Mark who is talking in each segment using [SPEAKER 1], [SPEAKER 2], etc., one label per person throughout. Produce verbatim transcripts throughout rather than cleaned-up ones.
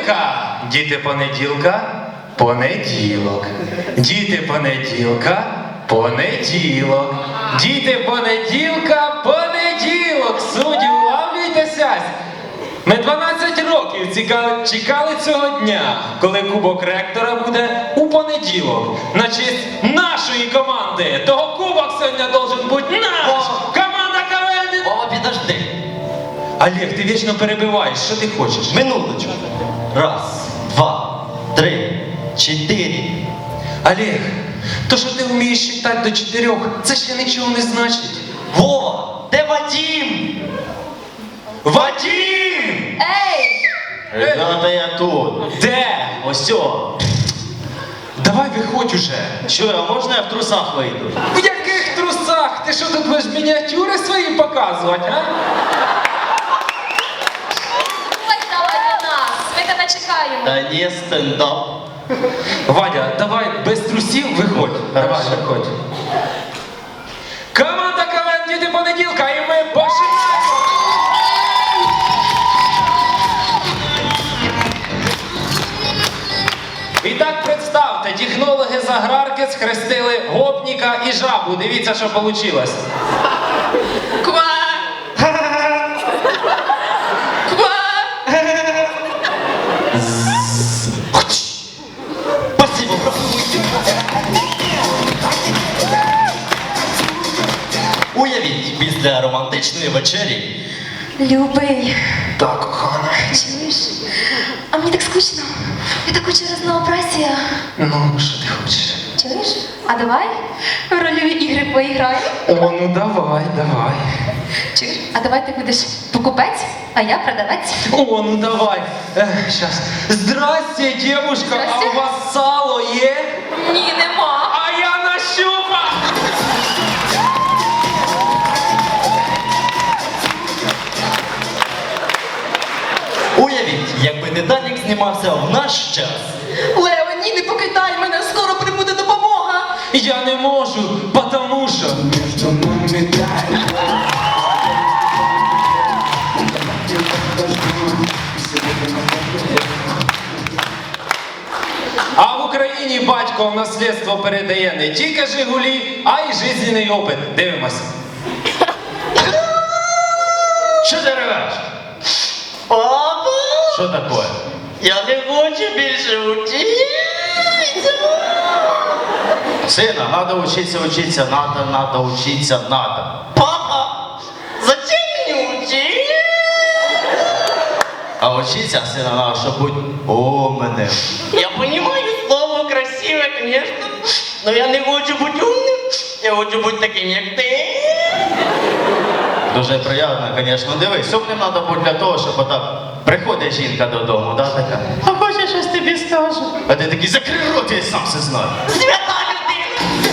[SPEAKER 1] понеділка, діти понеділка, понеділок. Діти понеділка, понеділок. Діти понеділка, понеділок. Судді, улавлюйтеся. Ми дванадцять років ціка- чекали цього дня, коли кубок ректора буде у понеділок. На честь нашої команди. Того кубок сьогодні должен бути наш.
[SPEAKER 2] О!
[SPEAKER 1] Команда КВН.
[SPEAKER 2] Вова, підожди.
[SPEAKER 1] Олег, ти вічно перебиваєш. Що ти хочеш?
[SPEAKER 2] Минуточку. Раз, два, три, чотири.
[SPEAKER 1] Олег, то, що ти вмієш читати до чотирьох, це ще нічого не значить.
[SPEAKER 2] Вова, де Вадим?
[SPEAKER 1] Вадим!
[SPEAKER 3] Ей!
[SPEAKER 2] Ребята, я тут.
[SPEAKER 1] Де?
[SPEAKER 2] Ось о.
[SPEAKER 1] Давай виходь уже.
[SPEAKER 2] Що, а можна я в трусах вийду?
[SPEAKER 1] В яких трусах? Ти що тут будеш мініатюри свої показувати, а?
[SPEAKER 3] Ось давай до нас. Ми тебе чекаємо.
[SPEAKER 2] Та ні, стендап.
[SPEAKER 1] Вадя, давай без трусів виходь. Давай,
[SPEAKER 2] Хорошо.
[SPEAKER 1] виходь. Команда КВН «Діти понеділка» і ми починаємо! І так представте, технологи з аграрки схрестили гопніка і жабу. Дивіться, що вийшло.
[SPEAKER 3] Ква! Ква!
[SPEAKER 2] Спасибо, брат. Уявіть, після романтичної вечері
[SPEAKER 3] Любий,
[SPEAKER 1] Так, кохана.
[SPEAKER 3] чуєш? А мені так скучно. Я так хочу разнообразія.
[SPEAKER 1] Ну, що ти хочеш?
[SPEAKER 3] Чуєш? А давай в рольові ігри поіграємо.
[SPEAKER 1] О, ну давай, давай.
[SPEAKER 3] Чуєш? А давай ти будеш покупець, а я продавець.
[SPEAKER 1] О, ну давай. Е, щас. Здрасте, девушка,
[SPEAKER 3] Здрасте.
[SPEAKER 1] а у вас сало є?
[SPEAKER 3] Ні, нема.
[SPEAKER 1] А я нащупав!
[SPEAKER 2] Уявіть, якби Титанік знімався в наш час.
[SPEAKER 3] Лео, ні, не покидай мене, скоро прибуде допомога.
[SPEAKER 1] Я не можу, потому що... А в Україні батько в наслідство передає не тільки Жигулі, а й жизненний опит. Дивимося. Що ти ревеш?
[SPEAKER 2] Папа,
[SPEAKER 1] Що таке?
[SPEAKER 2] я не хочу більше вчитися.
[SPEAKER 4] Сына, надо учиться, учиться, надо, надо учиться, надо.
[SPEAKER 2] Папа, зачем мені вчитися?
[SPEAKER 4] А учиться, сына, надо, чтобы быть умным.
[SPEAKER 2] Я понимаю слово красиве, конечно, но я не хочу бути умним. Я хочу бути таким, як ти.
[SPEAKER 4] Дуже приємно, звісно. Дивись, умним треба бути для того, щоб отак приходить жінка додому, да, така. А хочеш, щось тобі скажу. А ти такий, закрий рот, я сам все знаю.
[SPEAKER 2] Свята людина.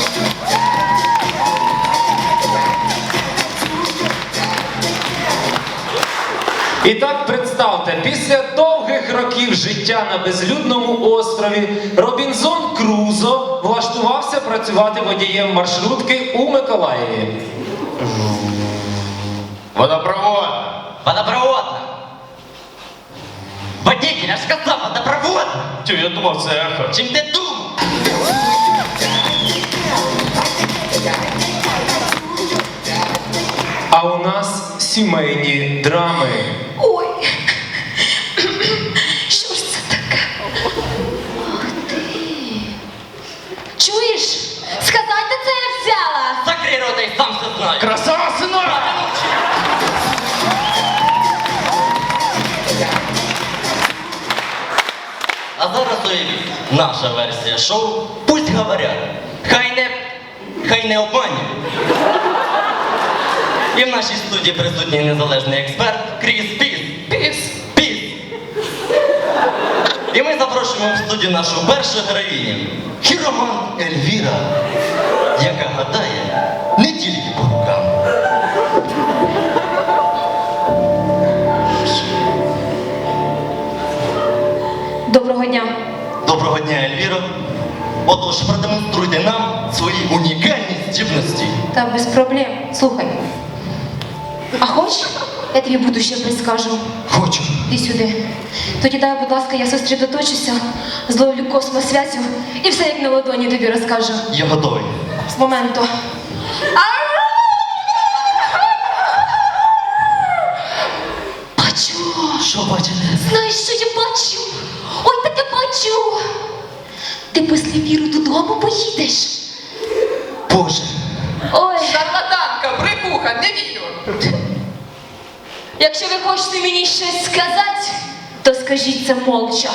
[SPEAKER 1] І так представте, після довгих років життя на безлюдному острові Робінзон Крузо влаштувався працювати водієм маршрутки у Миколаєві.
[SPEAKER 4] Водопровод.
[SPEAKER 2] Водопроводна. Водитель, я ж сказав, водопроводна.
[SPEAKER 4] Тю, я думав, це ехо.
[SPEAKER 2] Чим ти думав?
[SPEAKER 1] А у нас сімейні драми.
[SPEAKER 3] Ой. Що ж це таке? Ах ти. Чуєш? Сказати це я взяла.
[SPEAKER 2] Закрий рота і сам все знаю.
[SPEAKER 4] Красава, синок!
[SPEAKER 2] А зараз уявіть, наша версія шоу «Пусть говорять». Хай не, хай не обманюють. І в нашій студії присутній незалежний експерт Кріс Піс.
[SPEAKER 3] Піс.
[SPEAKER 2] Піс. І ми запрошуємо в студію нашу першу героїню, хіроман Ельвіра, яка гадає не тільки по рукам.
[SPEAKER 3] Доброго дня.
[SPEAKER 2] Доброго дня, Ельвіро. Отож, продемонструйте нам свої унікальні здібності.
[SPEAKER 3] Та без проблем. Слухай. А хочеш, я тобі будущее предскажу?
[SPEAKER 2] Хочу.
[SPEAKER 3] Іди сюди. Тоді дай, будь ласка, я сосредоточуся, зловлю космосвязю і все як на ладоні тобі розкажу.
[SPEAKER 2] Я готовий.
[SPEAKER 3] З моменту. Бачу.
[SPEAKER 2] Що бачите?
[SPEAKER 3] Знаєш, що я бачу? Ой, таке бачу. Ти після віру додому поїдеш.
[SPEAKER 2] Боже.
[SPEAKER 3] Ой,
[SPEAKER 5] Шарлатанка, брехуха, не вірю.
[SPEAKER 3] якщо ви хочете мені щось сказати, то скажіть це молча.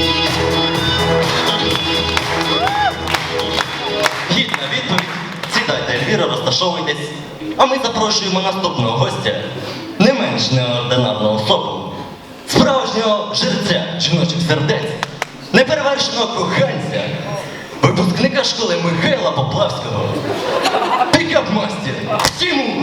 [SPEAKER 2] Гідна відповідь. Сідайте, Ельвіра, розташовуйтесь. А ми запрошуємо наступного гостя, не менш неординарну особу, справжнього жерця жіночих сердець, неперевершеного коханця, випускника школи Михайла Поплавського, пікап-мастер Тимур.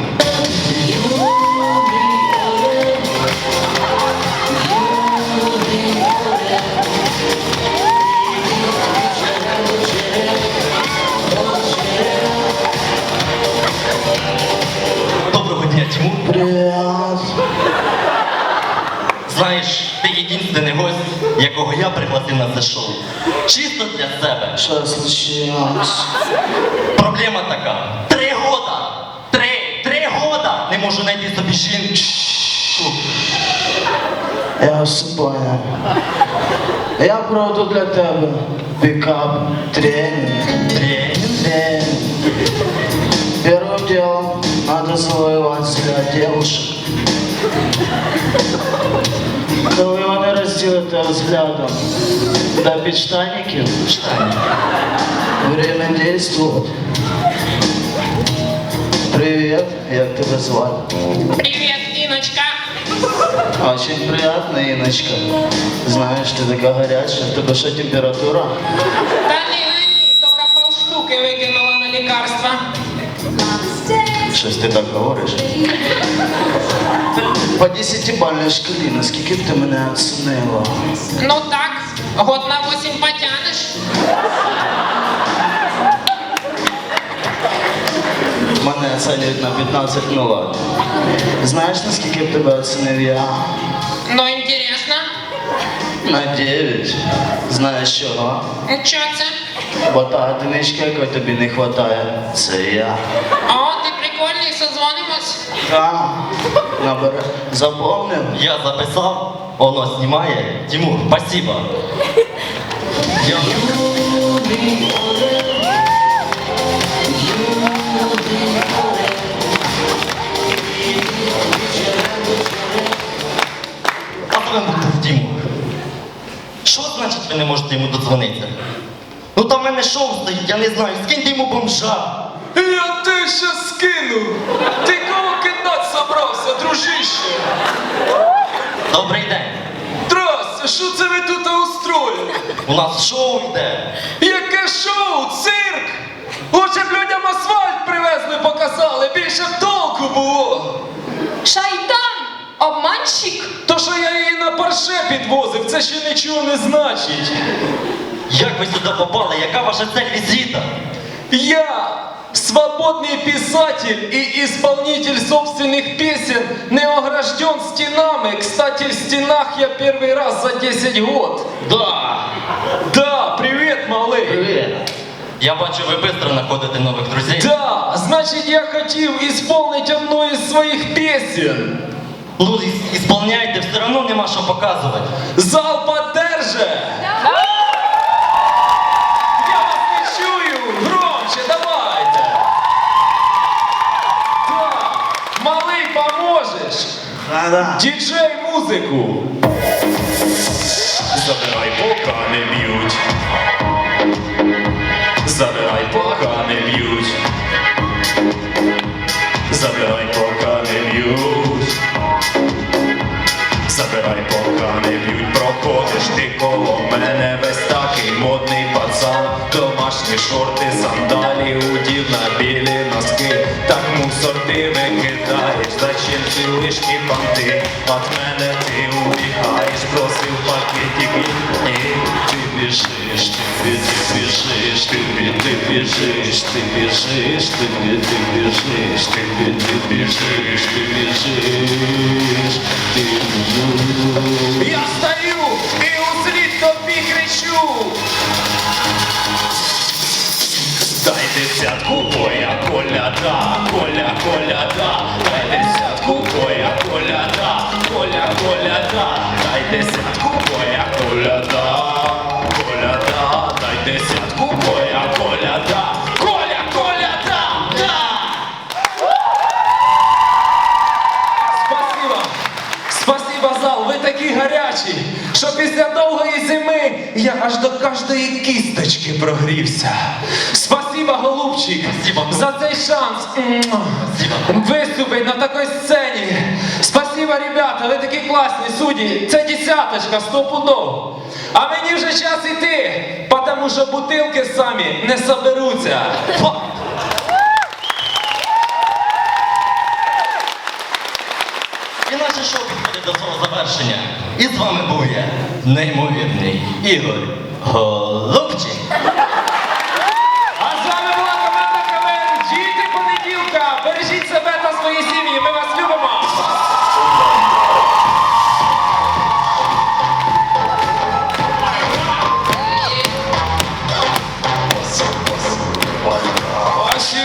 [SPEAKER 2] Доброго дня, Тимур.
[SPEAKER 6] Привет.
[SPEAKER 2] Знаєш, ти єдиний гость, якого я пригласив на це шоу. Чисто для себе.
[SPEAKER 6] Что случилось?
[SPEAKER 2] Проблема така. Три года! Три! Три года! Не можу знайти собі жінку.
[SPEAKER 6] Я все понял. Я проведу для тебя пикап, тренинг.
[SPEAKER 2] Тренінг.
[SPEAKER 6] Тренинг. Первым делом надо завоевать взгляд девушек. Коли вони розділите взглядом до підштанників, время действует. Привет, як тебе звати?
[SPEAKER 5] Привіт, Іночка.
[SPEAKER 6] Очень приятно, Иночка. Знаешь, ты такая горячая. В тебе что, температура?
[SPEAKER 5] Та ні, ні, ні, тільки полштуки викинула на лікарства.
[SPEAKER 6] Щось ти так говориш. По десятибальной шкалі, наскільки б ти мене оцінила?
[SPEAKER 5] Ну так, год на восемь потянеш.
[SPEAKER 6] Мене оцінюють на п'ятнадцять, ну ладно. Знаєш, наскільки б тебе оцінив я?
[SPEAKER 5] Ну, інтересно.
[SPEAKER 6] На дев'ять. Знаєш чого?
[SPEAKER 5] Що це?
[SPEAKER 6] Бо та одиничка, якої тобі не вистачає, це я.
[SPEAKER 5] О, ти прикольний, созвонимось.
[SPEAKER 6] Та, набере. Запомнив?
[SPEAKER 2] Я записав, воно знімає. Тимур, спасибо. Я... А з вами був Тимур. Що значить ви не можете йому додзвонитися? Ну там в мене шоу стоїть, я не знаю, скиньте йому бомжа.
[SPEAKER 1] Я те ще скину. Ти кого кидати собрався, дружище?
[SPEAKER 2] Добрий день.
[SPEAKER 1] Здрасте, що це ви тут устроїли?
[SPEAKER 2] У нас шоу йде.
[SPEAKER 1] Яке шоу, цирк? Лучше б людям асфальт привезли, показали, більше б толку було.
[SPEAKER 3] Шайтан! Обманщик!
[SPEAKER 1] То, що я її на парше підвозив, це ще нічого не значить.
[SPEAKER 2] Як ви сюди попали? Яка ваша цель візита?
[SPEAKER 1] Я свободный писатель и исполнитель собственных песен, не огражден стенами. Кстати, в стенах я первый раз за десять год.
[SPEAKER 2] Да.
[SPEAKER 1] Да, привет, малый.
[SPEAKER 6] Привіт.
[SPEAKER 2] Я бачу, ви швидко знаходите нових друзей.
[SPEAKER 1] Да, значит, я хотел исполнить одну из своих песен.
[SPEAKER 2] Ну, і- ісполняйте, все одно нема що показувати.
[SPEAKER 1] Зал поддержи. Я вас не чую. Громче, давайте. Да, малый, поможешь?
[SPEAKER 6] Да-да.
[SPEAKER 1] Діджей музику. Забирай, пока не б'ють. Забирай, пока не б'ють. Забирай, пока не б'ють. Забирай, пока не б'ють. Проходиш ти коло мене весь такий модний пацан. Домашні шорти, сандалі, удів на білі носки. Так мусор ти викидаєш, зачем ці лишні банти? От мене ти убігаєш, просив пакетик і ти біжиш, ти, ти біжиш, ти, ти біжиш, ти біжиш, ти, ти біжиш, ти, ти біжиш, ти біжиш, ти біжиш. коляда, Коля, коляда, дай десятку, Коля, коляда, Коля, коляда, дай десятку, Коля, коляда, коляда, дай десятку, Коля, коляда, Коля, коляда, да! Спасибо, спасибо, зал, ви такі гарячі, що після довгої зими я аж до кожної кісточки прогрівся. Спасибо, голубчик,
[SPEAKER 2] Спасибо.
[SPEAKER 1] за цей шанс виступити на такій сцені. Спасибо, ребята, ви такі класні судді. Це десяточка, стопудов. А мені вже час іти, тому що бутилки самі не соберуться. Фа-
[SPEAKER 2] І наше шоу підходить до свого завершення. І з вами був я, неймовірний Ігор Голуб.